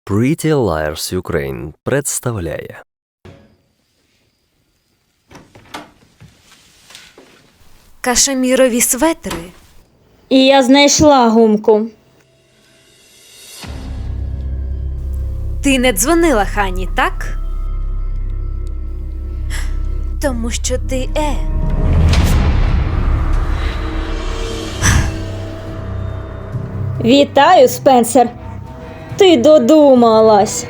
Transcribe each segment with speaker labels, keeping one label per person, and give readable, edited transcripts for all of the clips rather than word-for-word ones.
Speaker 1: Pretty Liars Ukraine представляє.
Speaker 2: Кашемірові светри.
Speaker 3: І я знайшла гумку.
Speaker 2: Ти не дзвонила Хані, так? Тому що ти
Speaker 3: Вітаю, Спенсер. Ти додумалась.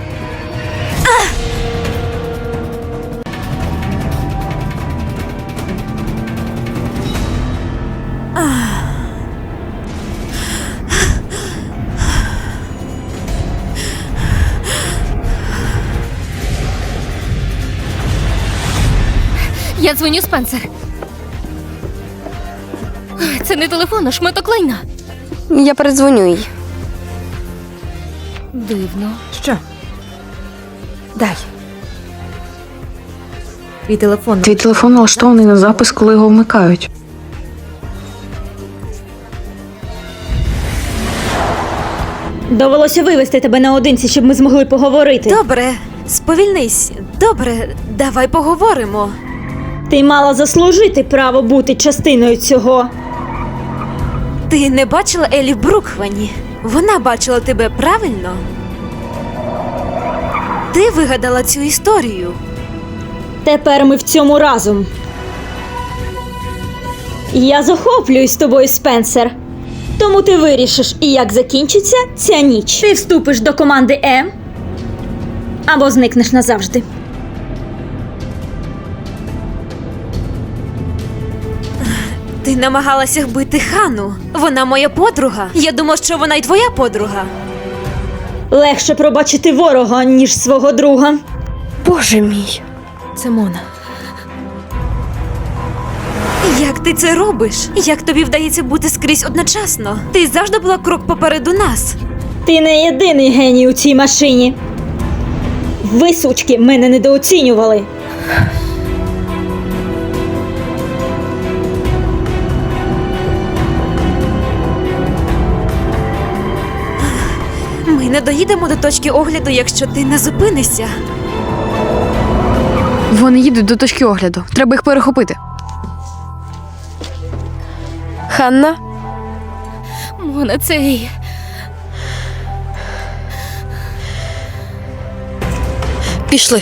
Speaker 4: Я дзвоню, Спенсер. Це не телефон, а шматок лайна.
Speaker 5: Я передзвоню їй.
Speaker 4: Дивно.
Speaker 6: Що? Дай. Твій телефон.
Speaker 5: Твій телефон налаштований на запис, коли його вмикають.
Speaker 3: Довелося вивезти тебе наодинці, щоб ми змогли поговорити.
Speaker 2: Добре, сповільнись. Добре, давай поговоримо.
Speaker 3: Ти мала заслужити право бути частиною цього.
Speaker 2: Ти не бачила Елі в Брукхвані? Вона бачила тебе правильно? Ти вигадала цю історію.
Speaker 3: Тепер ми в цьому разом. Я захоплююсь тобою, Спенсер. Тому ти вирішиш, і як закінчиться ця ніч. Ти вступиш до команди або зникнеш назавжди.
Speaker 2: Ти намагалася вбити Хану. Вона моя подруга. Я думав, що вона й твоя подруга.
Speaker 3: Легше пробачити ворога, ніж свого друга.
Speaker 5: Боже мій.
Speaker 6: Це Мона.
Speaker 2: Як ти це робиш? Як тобі вдається бути скрізь одночасно? Ти завжди була крок попереду нас.
Speaker 3: Ти не єдиний геній у цій машині. Ви, сучки, мене недооцінювали.
Speaker 2: Ми не доїдемо до точки огляду, якщо ти не зупинишся.
Speaker 5: Вони їдуть до точки огляду. Треба їх перехопити. Ханна?
Speaker 4: Мона, цей.
Speaker 5: Пішли.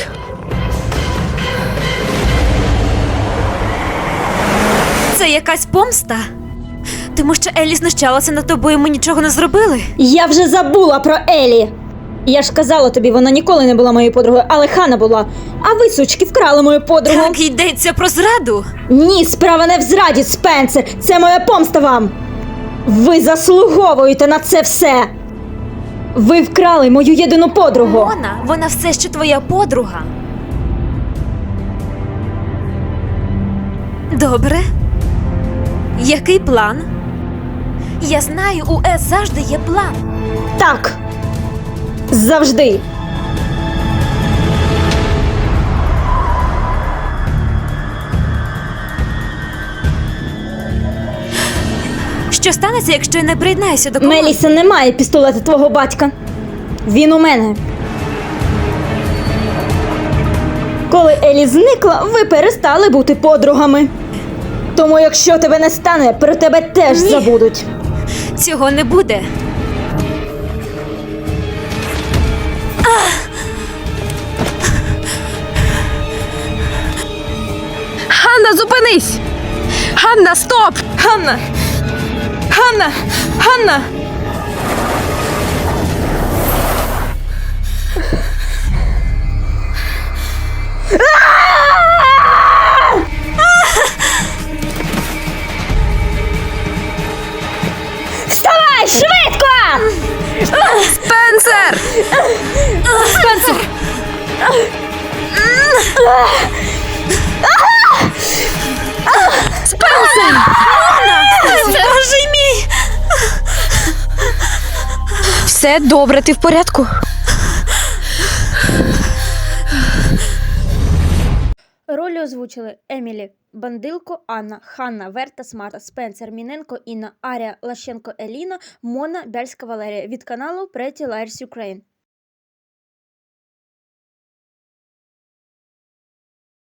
Speaker 2: Це якась помста? Тому що Елі знущалася над тобою, ми нічого не зробили.
Speaker 3: Я вже забула про Елі. Я ж казала тобі, вона ніколи не була моєю подругою, але Хана була. А ви, сучки, вкрали мою подругу.
Speaker 2: Так йдеться про зраду.
Speaker 3: Ні, справа не в зраді, Спенсер. Це моя помста вам. Ви заслуговуєте на це все. Ви вкрали мою єдину подругу.
Speaker 2: Вона все ще твоя подруга. Добре. Який план? Я знаю, у С завжди є план.
Speaker 3: Так. Завжди.
Speaker 2: Що станеться, якщо я не приєднаюся до команди?
Speaker 3: Меліса не має пістолета твого батька. Він у мене. Коли Елі зникла, ви перестали бути подругами. Тому якщо тебе не стане, про тебе теж
Speaker 2: Ні.
Speaker 3: забудуть.
Speaker 2: Цього не буде.
Speaker 5: Ханна, зупинись! Ханна, стоп!
Speaker 6: Ханна! Ханна! Ханна!
Speaker 3: Вставай, швидко!
Speaker 5: Спенсер!
Speaker 4: Спенсер!
Speaker 2: Боже мій!
Speaker 5: Все добре, ти в порядку?
Speaker 3: Ролі озвучили Емілі Бандилко, Анна, Ханна, Верта, Смарта, Спенсер, Міненко, Інна, Арія, Лащенко, Еліна, Мона, Бяльська Валерія від каналу Pretty Liars Ukraine.